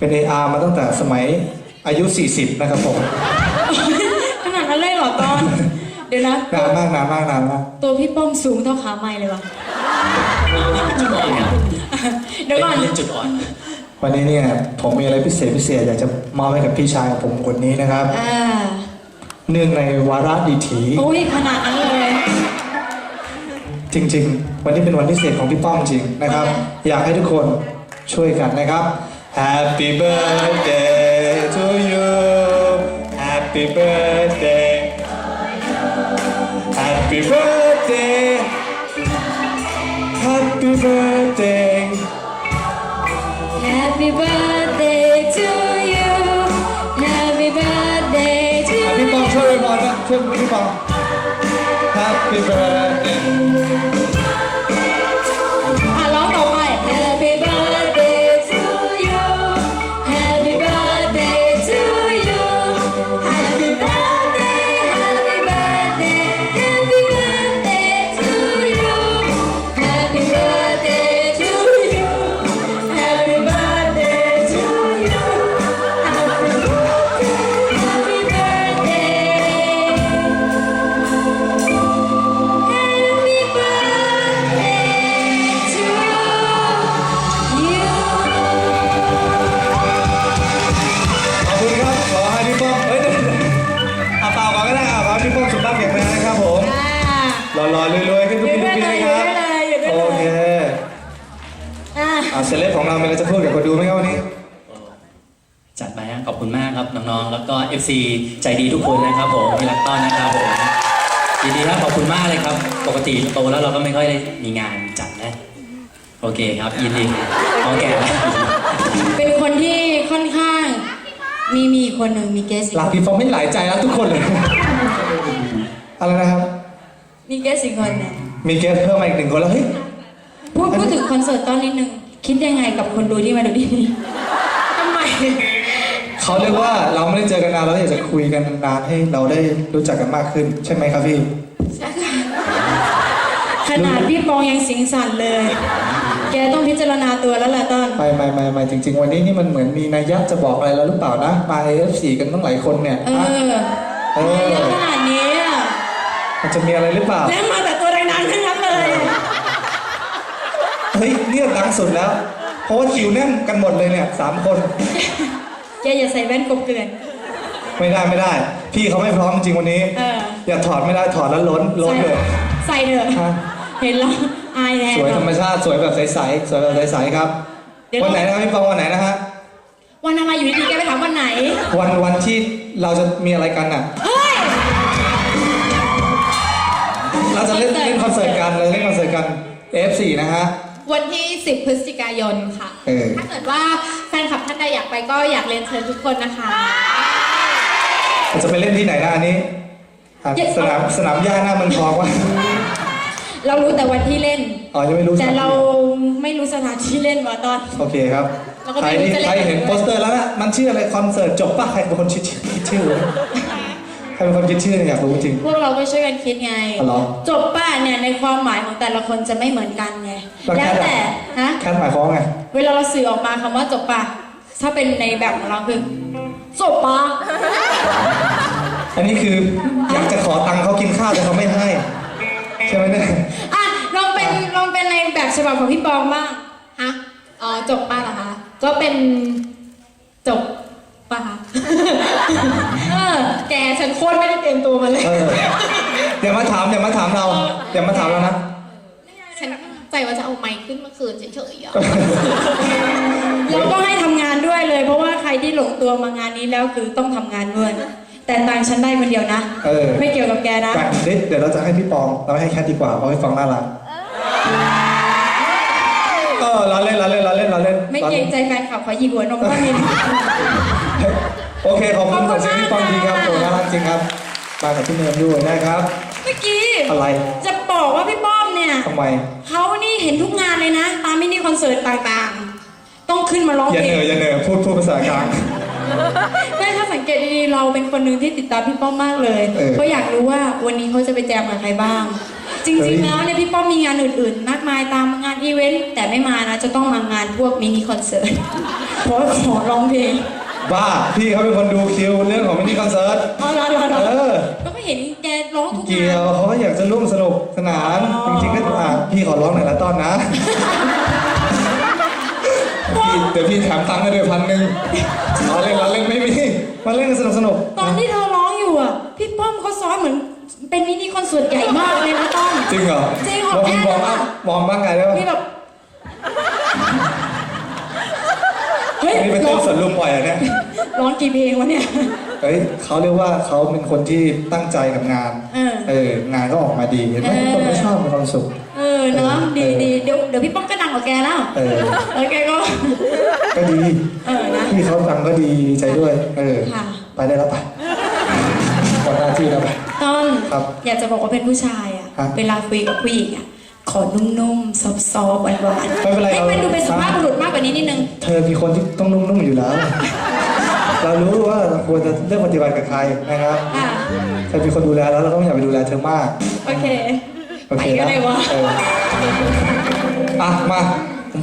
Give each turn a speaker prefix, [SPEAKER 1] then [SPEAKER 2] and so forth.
[SPEAKER 1] เป็น AR มาตั้งแต่สมัยอายุ 40 นะครับผม
[SPEAKER 2] ขนาดนั้นเลยเหรอตอน เดี๋ยวนะ
[SPEAKER 1] นานมากนานมากนานมาก
[SPEAKER 2] ตัวพี่ป้อมสูงเท่าขาไม้เลยวะ
[SPEAKER 3] จุดอ่อนครับ
[SPEAKER 2] เดี๋ยวก่อน
[SPEAKER 3] เป็นจุดอ่อน
[SPEAKER 1] วันนี้เนี่ยผมมีอะไรพิเศษอยากจะมอบให้กับพี่ชายของผมคนนี้นะครับ เนื่องในวาระดีถี
[SPEAKER 2] โอ้ยขนาดนั้นเลย
[SPEAKER 1] จริงๆ วันนี้เป็นวันพิเศษของพี่ป้อมจริงนะครับ อยากให้ทุกคนช่วยกันนะครับ Happy birthday to you Happy birthday Happy birthday Happy birthday
[SPEAKER 2] Happy birthday to you Happy birthday to
[SPEAKER 1] พี่ป้อ
[SPEAKER 2] you
[SPEAKER 1] มช่วยบอลนะช่วยพี่ป้อม Happy birthday
[SPEAKER 2] ร้องต่อไป Happy birthday to you Happy birthday to you Happy birthday Happy birthday Happy birthday to you Happy birthday to you Happy birthday to you Happy birthday
[SPEAKER 1] ขอบคุณครับ ขอให้พี่ป้อมเปล่าก่อนก็ได้ขอให้พี่ป้อมสุขภาพแข็งแรงนะครับผมหล่อๆรวยๆขึ้นทุกปีทุกปีนะครับโอเคเซเลบของเรามีอะไรจะพูดกับคนดูไหมครับวันนี้
[SPEAKER 3] จัดมาฮะขอบคุณมากครับน้องๆ แล้วก็ FC ใจดีทุกคนนะครับผมที่รักต้อนนะครับผมยินดีครับขอบคุณมากเลยครับ ปกติโตแล้วเราก็ไม่ค่อยได้มีงานจัดนะโอเคครับยินดีพอแก่แล้ว
[SPEAKER 2] เป็นคนที่ค่อนข้างมีคนหนึ่งมีเกสอีก
[SPEAKER 1] รัก
[SPEAKER 2] คน
[SPEAKER 1] พี่ป้อมไม่หลายใจแล้วทุกคนเลย อะไรนะครับ
[SPEAKER 2] มีเกสอีกคนเนี่ย
[SPEAKER 1] มีเกสเพิ่มมาอีกหนึ่งคนแล้วเฮ้ย
[SPEAKER 2] พูดถึงคอนเสิร์ตตอนนิดนึงคิดยังไงกับคนดูที่มาดูที่นี่ทำไม
[SPEAKER 1] เขาเรียกว่าเราไม่ได้เจอกันนานเราอยากจะคุยกันนานให้เราได้รู้จักกันมากขึ้น ใช่ไหมครับพี่
[SPEAKER 2] ขนาดพี่ปองยังสิงสั่นเลย แกต้องพิจารณาตัวแล้วแหละต้น
[SPEAKER 1] ไม่จริง ๆ วันนี้นี่มันเหมือนมีนัยยะจะบอกอะไรเราหรือเปล่านะมา AF4 กันตั้งหลายคนเนี่ย
[SPEAKER 2] เออเยอะขนาดนี้อะ
[SPEAKER 1] มันจะมีอะไรหรือเปล่า
[SPEAKER 2] แล้วมาแต่ตัวดังๆทั้งนั้นเลย
[SPEAKER 1] เฮ้ยเนี่ยดังสุดแล้ว เพราะว่าคิวแน่นกันหมดเลยเนี่ย3 คน
[SPEAKER 2] แกอย่าใส่แว่นกบเกลื่อน
[SPEAKER 1] ไม่ได้ พี่เขาไม่พร้อมจริงวันนี้ อย่าถอดไม่ได้ถอดแล้วล้นเลย
[SPEAKER 2] ใส่เถอะ
[SPEAKER 1] ฮะ
[SPEAKER 2] เห็นแล้วอายแทน
[SPEAKER 1] สวยธรรมชาติสวยแบบใสๆสวยแบบใสๆครับ วันไหนนะครับพี่ปองวันไหนนะฮะ
[SPEAKER 2] วันอะไรอยู่ดีๆแกไปถามวันไหน
[SPEAKER 1] วันที่เราจะมีอะไรกันอ่ะ
[SPEAKER 2] เฮ้ย
[SPEAKER 1] เราจะเล่นคอนเสิร์ตกันเราเล่นคอนเสิร์ตกัน F4 นะฮะ
[SPEAKER 4] วันที่ 10 พฤศจิกายนค่ะ ถ้าเกิดว่าแฟนคลับท่านใดอยากไปก็อยากเรียนเชิญทุกคนนะคะ
[SPEAKER 1] เราจะไปเล่นที่ไหนนะอันนี้อ่ะสนามหญ้าหน้าเมืองทองวะ
[SPEAKER 2] เรารู้แต่วันที่เล่น
[SPEAKER 1] อ๋อยังไม่รู้
[SPEAKER 2] แต่เราไม่รู้สถานที่เล่นว่ะตอน
[SPEAKER 1] โอเคครับ
[SPEAKER 4] เราก็
[SPEAKER 1] ใคร
[SPEAKER 4] ไม่รู้
[SPEAKER 1] ที่
[SPEAKER 4] จะเล่น
[SPEAKER 1] ใครเห็นโปสเตอร์แล้วนะมันชื่ออะไรคอนเสิร์ตจบป่ะใครเป็นคนคิดชื่อใครเป็นคนคิดชื่อเนี่ยอยากรู้จริง
[SPEAKER 2] พวกเราก็ช่วยกันคิดไง
[SPEAKER 1] อ๋อเหรอ
[SPEAKER 2] จบป้าเนี่ยในความหมายของแต่ละคนจะไม่เหมือนกันไง
[SPEAKER 1] แล้ว
[SPEAKER 2] แล้ว
[SPEAKER 1] แค่
[SPEAKER 2] แต่ฮะ
[SPEAKER 1] แค่หมายความว่าไง
[SPEAKER 2] เวลาเราสื่อออกมาคำว่าจบป่ะถ้าเป็นในแบบของเราคือจบป่ะ
[SPEAKER 1] อันนี้คืออยากจะขอตังค์เขากินข้าวแต่เขาไม่ให้ใช่ไหมเนี่ย
[SPEAKER 2] อ่ะลองเป็นในแบบฉบับของพี่ปองบ้าง
[SPEAKER 4] ฮะ อ๋อ จบป้าเหรอคะ ก็เป็นจบป้าคะ แกฉันโคตรไม่ได้เตรียมตัวมาเลย
[SPEAKER 1] อย่ามาถามเราอย่ามาถามเรานะ
[SPEAKER 4] ฉันใจว่าจะเอาไมค์ขึ้นมาคืนเฉยๆอ่ะ
[SPEAKER 2] เราก็ให้ทำงานด้วยเลย เพราะว่าใครที่หลงตัวมางานนี้แล้วคือต้องทำงานด้วย แต่ตังค์ฉันได้คนเดียวนะ ไม่เกี่ยวกับแกนะ
[SPEAKER 1] กันเดี๋ยวเราจะให้พี่ปองเราให้แคทดีกว่าเพราะให้ฟังน่ารักเราเล่น
[SPEAKER 2] ไม่เกรงใจแฟนคลับขอหยิบหัวนมข้างนี้
[SPEAKER 1] โอเคขอบคุณกับเสียงพี่ปองดีครับโอ้น่ารักจริงครับมากับพี่เนมด้วยนะครับ
[SPEAKER 2] เมื่อกี้
[SPEAKER 1] อะไร
[SPEAKER 2] จะบอกว่าพี่ป้อมเนี่ย
[SPEAKER 1] ทำไม
[SPEAKER 2] เขานี่เห็นทุกงานเลยนะ ตามมินิคอนเสิร์ตต่างๆ ต้องขึ้นมาร้อง
[SPEAKER 1] อย่า
[SPEAKER 2] เพ
[SPEAKER 1] เห
[SPEAKER 2] ล
[SPEAKER 1] นื่อย
[SPEAKER 2] ง
[SPEAKER 1] พูดภาษากลาง
[SPEAKER 2] ไม่ถ้าสังเกตดีๆเราเป็นคนหนึ่งที่ติดตามพี่ป้อมมากเลย
[SPEAKER 1] เออ
[SPEAKER 2] เขาอยากรู้ว่าวันนี้เขาจะไปแจมกับใครบ้างจริงๆแล้วเนี่ยพี่ป้อมมีงานอื่นๆ มากมายตามงานอีเวนต์แต่ไม่มานะจะต้องมางานพวกมินิคอนเสิร์ตเพราะขอร้องเพลง
[SPEAKER 1] บ้าพี่เขาเป็นคนดูคิวเรื่องของมินิคอนเสิร์ต
[SPEAKER 2] อ๋อเหรอ ก็ไม่เห็นแกร้องทุกงาน
[SPEAKER 1] เกี่ยวเขาก็อยากจะร่วมสนุกสนาน
[SPEAKER 2] อ๋อ
[SPEAKER 1] จริงๆก็พี่ขอร้องหน่อยละต้อนนะเดี๋ยวพี่แถมตังค์ให้ด้วย1,000เราเล่นไม่มีมาเล่นกันสนุก
[SPEAKER 2] ตอนที่เธอร้องอยู่อ่ะพี่ป้อมเขาซ้อมเหมือนเป็นมินิคอนเสิร์ตใหญ่มากเลยนะต้อม
[SPEAKER 1] จริงเหรอ
[SPEAKER 2] จริงเหรอ
[SPEAKER 1] แล้วพี่มองบ้างไงได้ป่ะ
[SPEAKER 2] พี่แบบเฮ้ย
[SPEAKER 1] นี่เป็น
[SPEAKER 2] ร้
[SPEAKER 1] เต้
[SPEAKER 2] อน ง
[SPEAKER 1] สวนลุมปล่อยอะเนี่ย
[SPEAKER 2] ร้องกี่เพลงวะเนี่ย
[SPEAKER 1] เฮ้ยเขาเรียกว่าเขาเป็นคนที่ตั้งใจกับงาน งานก็ออกมาดีเห็นไหมทุกคนก็ชอบมีความสุข
[SPEAKER 2] เนาะดีเดี๋ยวพี่ป้อมก็ดังกว่าแกแล้วแล้วแกก็
[SPEAKER 1] ก็ดี
[SPEAKER 2] นะ
[SPEAKER 1] พี่เขาดังก็ดีใจด้วย
[SPEAKER 2] ค่ะ
[SPEAKER 1] ไปได้แล้วไปหมดหน้าที่แล้วไป
[SPEAKER 2] ต้น
[SPEAKER 1] ครับ
[SPEAKER 2] อยากจะบอกว่าเป็นผู้ชายอ่ะ
[SPEAKER 1] ฮะ
[SPEAKER 2] เวลาคุยกับผู้หญิงอ่ะขอนุ่มๆซอฟต์ๆหวานๆ
[SPEAKER 1] ไม่เป็นไร
[SPEAKER 2] ให้มันดูเป็นสุภาพบุรุษมากกว่านี้นิดนึง
[SPEAKER 1] เธอมีคนที่ต้องนุ่มๆอยู่แล้ว เรารู้ว่าเราควรจะเลือกปฏิบัติกับใครนะครับ
[SPEAKER 2] ค่ะ
[SPEAKER 1] เธอมีคนดูแลแล้วเราก็ไม่อยากไปดูแลเธอมาก
[SPEAKER 2] โอเค
[SPEAKER 1] โอเค
[SPEAKER 2] ไปก็
[SPEAKER 1] นะ
[SPEAKER 2] ได้วะ
[SPEAKER 1] อ่ะมา